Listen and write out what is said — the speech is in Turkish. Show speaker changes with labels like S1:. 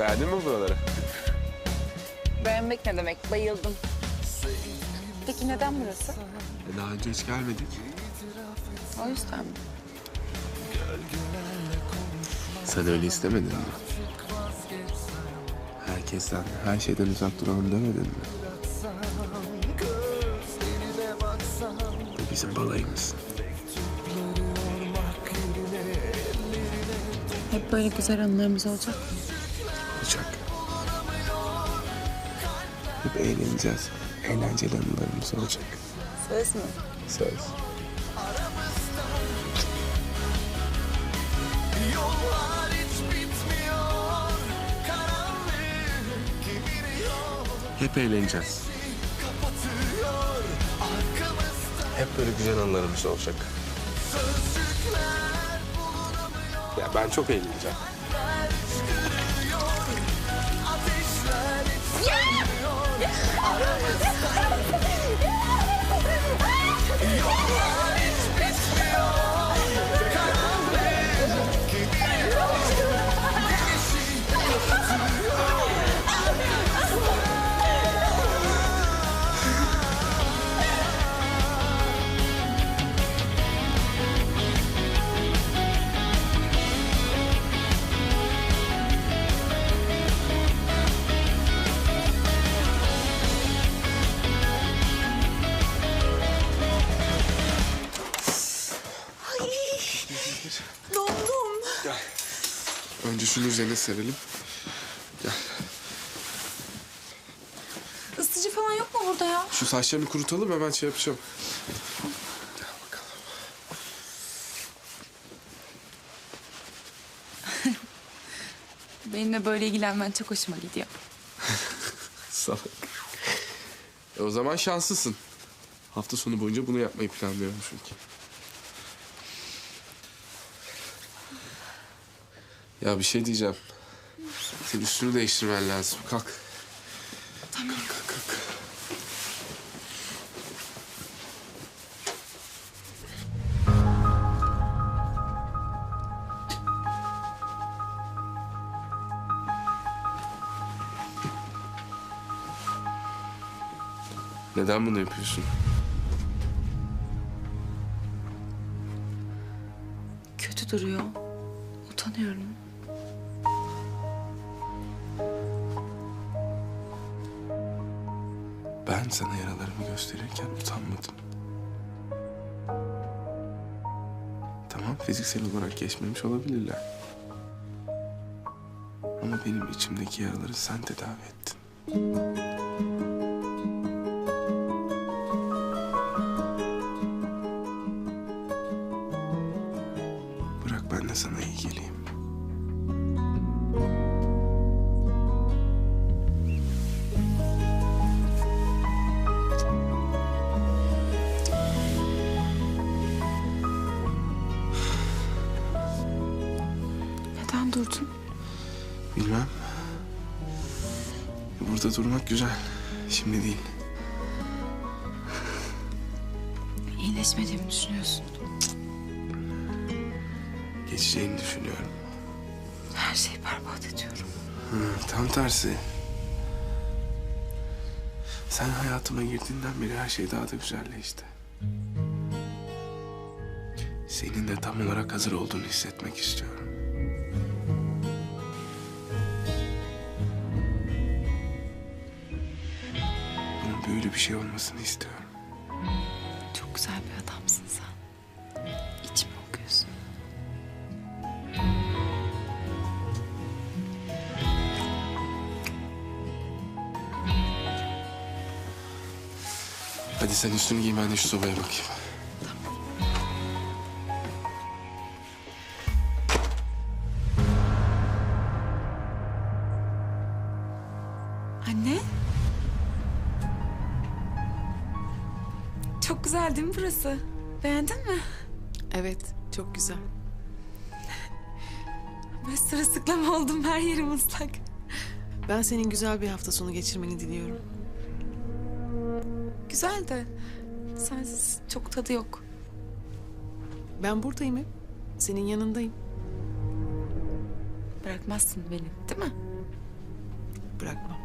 S1: Beğendin mi buraları?
S2: Beğenmek ne demek? Bayıldım. Peki neden burası?
S1: Daha önce hiç gelmedik.
S2: O yüzden mi?
S1: Sen öyle istemedin mi? Herkesten, her şeyden uzak duralım demedin mi? Bu bizim balayımız.
S2: Hep böyle güzel anılarımız olacak mı?
S1: Olacak. Hep eğleneceğiz. Eğlenceli anılarımız olacak.
S2: Söz mü?
S1: Söz. Hep eğleneceğiz. Hep böyle güzel anılarımız olacak. Ya ben çok eğleneceğim.
S2: Dondum.
S1: Gel. Önce şunu üzerine serelim. Gel.
S2: Isıtıcı falan yok mu burada ya?
S1: Şu saçlarını kurutalım, hemen şey yapacağım. Gel bakalım.
S2: Benimle böyle ilgilenmen çok hoşuma gidiyor.
S1: Salak. O zaman şanslısın. Hafta sonu boyunca bunu yapmayı planlıyorum çünkü. Ya bir şey diyeceğim. Senin üstünü değiştirmen lazım. Kalk.
S2: Tamam.
S1: Kalk. Neden bunu yapıyorsun?
S2: Kötü duruyor. Utanıyorum.
S1: Ben sana yaralarımı gösterirken utanmadım. Tamam, fiziksel olarak geçmemiş olabilirler. Ama benim içimdeki yaraları sen tedavi ettin. Bırak ben de sana iyi geleyim.
S2: Neden durdun?
S1: Bilmem. Burada durmak güzel. Şimdi değil.
S2: İyileşmediğimi düşünüyorsun.
S1: Geçeceğini düşünüyorum.
S2: Her şeyi berbat ediyorum.
S1: Tam tersi. Sen hayatıma girdiğinden beri her şey daha da güzelleşti. Senin de tam olarak hazır olduğunu hissetmek istiyorum. Bunun böyle bir şey olmasını istiyorum.
S2: Çok güzel bir adamsın sen. İçimi okuyorsun.
S1: Hadi sen üstünü giy, ben de şu sobaya bakayım.
S2: Anne? Çok güzel değil mi burası? Beğendin mi?
S3: Evet, çok güzel.
S2: Ben sırılsıklam oldum, her yerim ıslak.
S3: Ben senin güzel bir hafta sonu geçirmeni diliyorum.
S2: Güzel de sensiz çok tadı yok.
S3: Ben buradayım hep. Senin yanındayım.
S2: Bırakmazsın beni, değil mi?
S3: bırakmam.